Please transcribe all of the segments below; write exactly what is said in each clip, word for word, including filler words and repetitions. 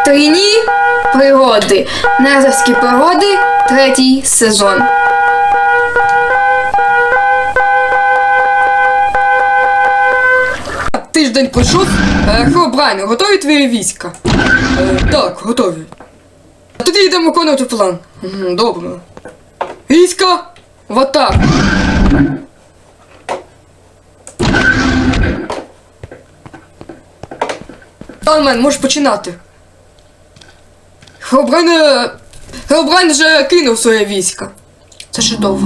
Трійні пригоди. Незерські пригоди. Третій сезон. Тиждень пройшов. Херобрайне, готові твої війська? Е, так, готові. Тоді йдемо виконувати план. Добре. Війська в атаку. Талмен, можеш починати. Херобрайн... Херобрайн вже кинув своє військо. Це чудово.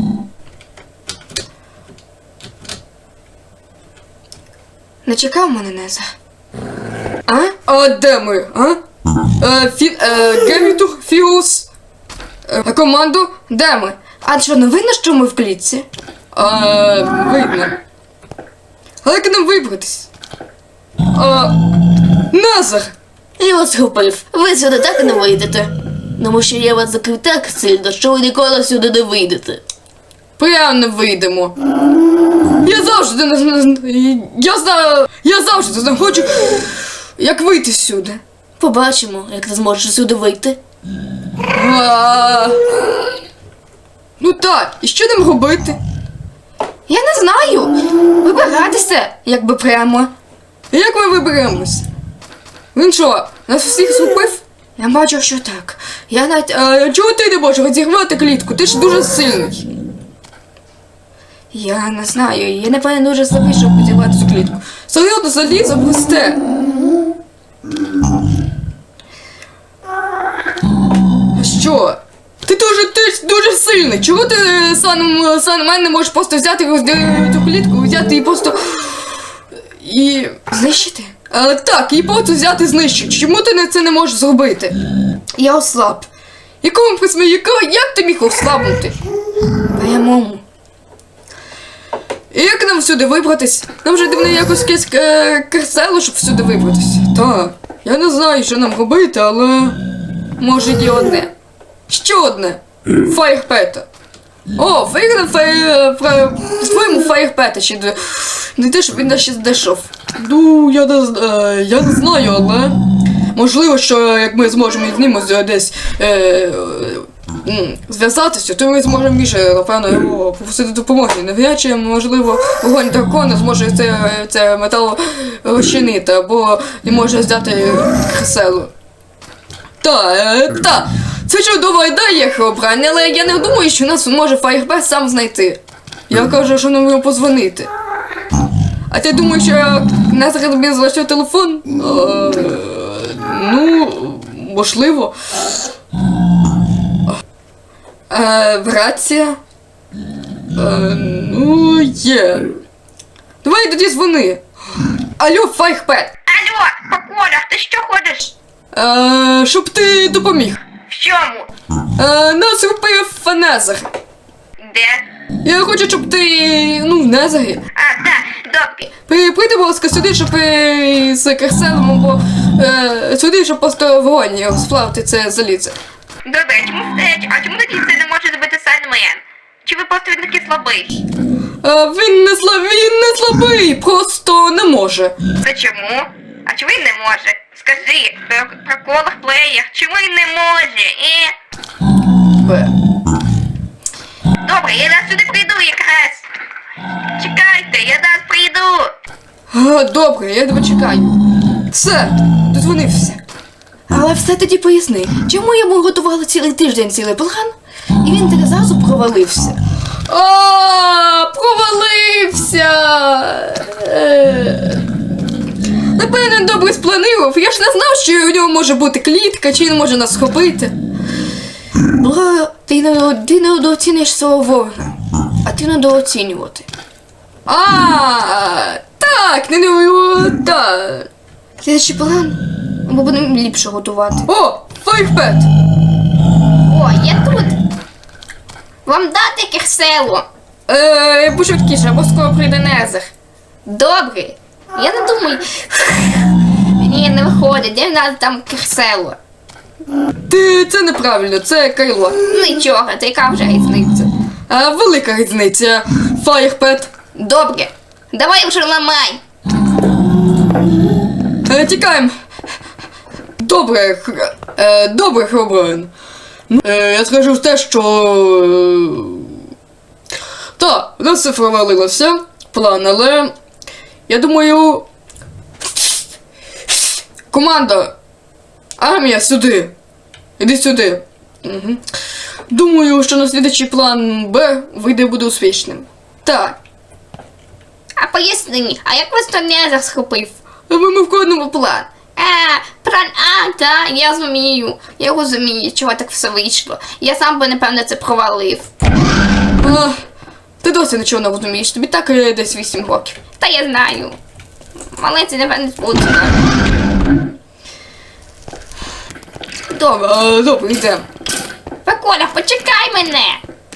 Не чекав мене, Неза? А? А де ми, а? Е, фі... Е, Гевітур, Фіус... Е, команду, де ми? А що, не видно, що ми в клітці? Е, видно. Але як нам вибратись? А... Назар! Я вас схопив. Ви сюди так і не вийдете. Тому що я вас закрив так сильно, що ви ніколи сюди не вийдете. Прямо не вийдемо. Я завжди не знаю. Я знаю. Я завжди не хочу. Як вийти сюди? Побачимо, як ти зможеш сюди вийти. А... Ну так, і що нам робити? Я не знаю. Вибиратися, якби прямо. Як ми виберемось? Він що, нас всіх згубив? Я бачу, що так. Я навіть... А, чого ти не можеш розірвати клітку? Ти ж дуже сильний. Я не знаю, я напевно дуже слабий, щоб розірвати цю клітку. Серйозно, залізо пусте. Що? Ти дуже, ти дуже сильний. Чого ти сам, сам мене не можеш просто взяти цю клітку, взяти і просто... І... знищити? А, так, і просто взяти і знищити. Чому ти не це не можеш зробити? Я ослаб. Якому присмі, як ти міг ослабнути? Прямому. І як нам всюди вибратись? Нам вже дивно якось якесь керсело, щоб всюди вибратись. Так, я не знаю, що нам робити, але... може є одне. Що одне? Фаєрпета. О, виграв по-своєму Фаєрпета ще до... не те, щоб він ще дійшов. Ну, я не, е, я не знаю, але... можливо, що як ми зможемо з ним десь е, е, зв'язатися, то ми зможемо більше, напевно, його попросити допомоги. Навряд чи, можливо, вогонь дракона зможе це, це метал розчинити, або не може взяти Хеселу. Та, е, та, це чудова ідея, Херобрайн, але я не думаю, що нас може Фаєрпет сам знайти. Я кажу, що нам йому позвонити. А ти думаєш, що нас тобі залишив телефон? А, ну, можливо. А, рація? А, ну, є. Давай тоді дзвони. Алло, Фаєрпет. Алло, Поколя, ти що ходиш? А, щоб ти допоміг. В чому? А, нас купив Незер. Де? Я хочу, щоб ти, ну, в Незері. А, так, добре. При, прийди, будь ласка, сюди, щоб е, з Керселем, або е, сюди, щоб просто вогонь сплавити це залізо. Добре, а чому, е, а чому тоді це не може зробити Сандмен? Чи ви просто він такий слабий? А, він не слабий, він не слабий, просто не може. Це чому? А чому він не може? Скажи, про, про колах плеєр, чому він не може, е? Б. Добре, я зараз сюди прийду якраз. Чекайте, я зараз прийду. А, добре, я тебе чекаю. Все, дозвонився. Але все тоді поясни, чому йому готували цілий тиждень цілий план, і він так зразу провалився. А, провалився! Е... Напевно, добре спланував. Я ж не знав, що у нього може бути клітка, чи він може нас схопити. Бо ти не, ти не недооцінюєш свого ворога, а ти недооцінювати. А, так, не не так. Слідчий план, ми будемо ліпше готувати. О, Фаєрпет! О, я тут. Вам дати Керселу? Е, пошвидкіше, бо скоро прийде Незер. Добре. Я не думаю. Ні, не виходить, де в нас там Керселу? Ти, це неправильно, це Кайло. Нічого, то яка вже різниця? А, велика різниця, Фаєрпет. Добре, давай вже ламай. Е, тікаємо. Добре, хр... е, добре, Хробрайн. Е, я скажу те, що... Так, у нас все провалилося, план, але... Я думаю... Команда! Армія, сюди! Іди сюди. Угу. Думаю, що наслідуючий план Б вийде буде успішним. Так. А поясни мені, а як вас то не схопив? Ми, ми вкладемо план. А, план А, так, я розумію. Я розумію, чого так все вийшло. Я сам би, напевно, це провалив. А, ти досі нічого не розумієш, тобі так е, десь вісім років. Та я знаю. Але це, напевно, буде. Добре, е, добре, йдемо. Приколя, почекай мене!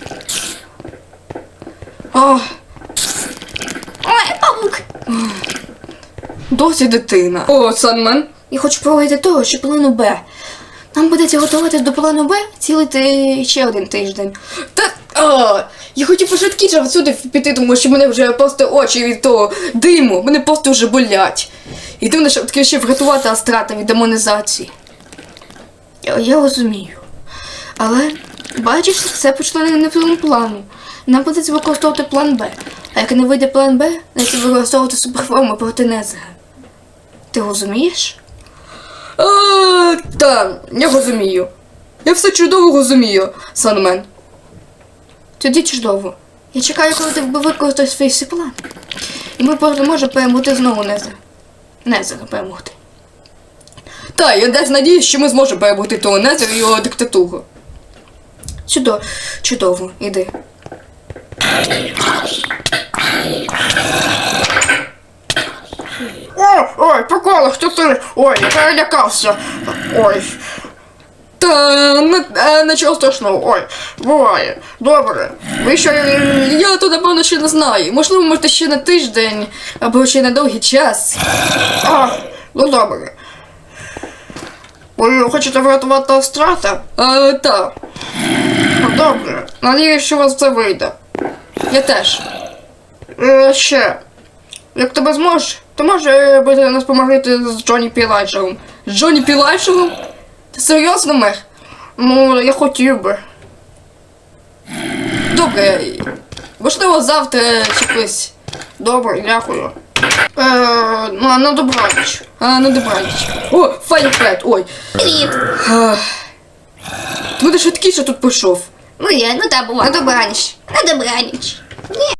А, Ой, павук! досі дитина. О, Санмен. Я хочу проводити того, що плану Б. Нам будеться готуватись до плану Б цілий ти... ще один тиждень. Та, а, я хотів пошвидкіше всюди піти, тому що мене вже просто очі від того диму, мене просто вже болять. І дивно, щоб таки ще врятувати Астрата від демонізації. Я, я розумію. Але, бачиш, все почало не в тому плану. Нам будеться використовувати план Б. А як не вийде план Б, треба використовувати суперформу проти Незера. Ти розумієш? А, так, я розумію. Я все чудово розумію, Санмен. Тоді чудово. Я чекаю, коли ти використаєш свій всі план. І ми можемо перемогти знову Незера. Незера перемогти. Так, я десь надіюсь, що ми зможемо перебути того Незера і його диктатуру. Чудово, чудово, іди. Ой, ой, приколи, хто ти? Ой, я перелякався. Ой, Та не, е, нічого страшного. ой, буває. Добре. Ви що, Я то напевно ще не знаю. Можливо, може ще на тиждень або ще на довгий час. а, ну добре. Ви хочете врятувати Астрата? А, так, Ну, добре. Надіюсь, що у вас це вийде. я теж. Е, ще. Як тебе зможеш, то може би ти нас помогти з Джонні Пілайджером. З Джонні Пілайшером? Ти серйозно, мер? Ну, я хотів би. Добре, можливо, завтра чи колись. Добре, дякую. Е, ну, на добраніч. А, ну добраніч. О, Файрфет, ой. Привіт! Ах. Ти будеш швидкіше тут пішов. Ну я, ну так, буває. На добраніч. На добраніч. Ні.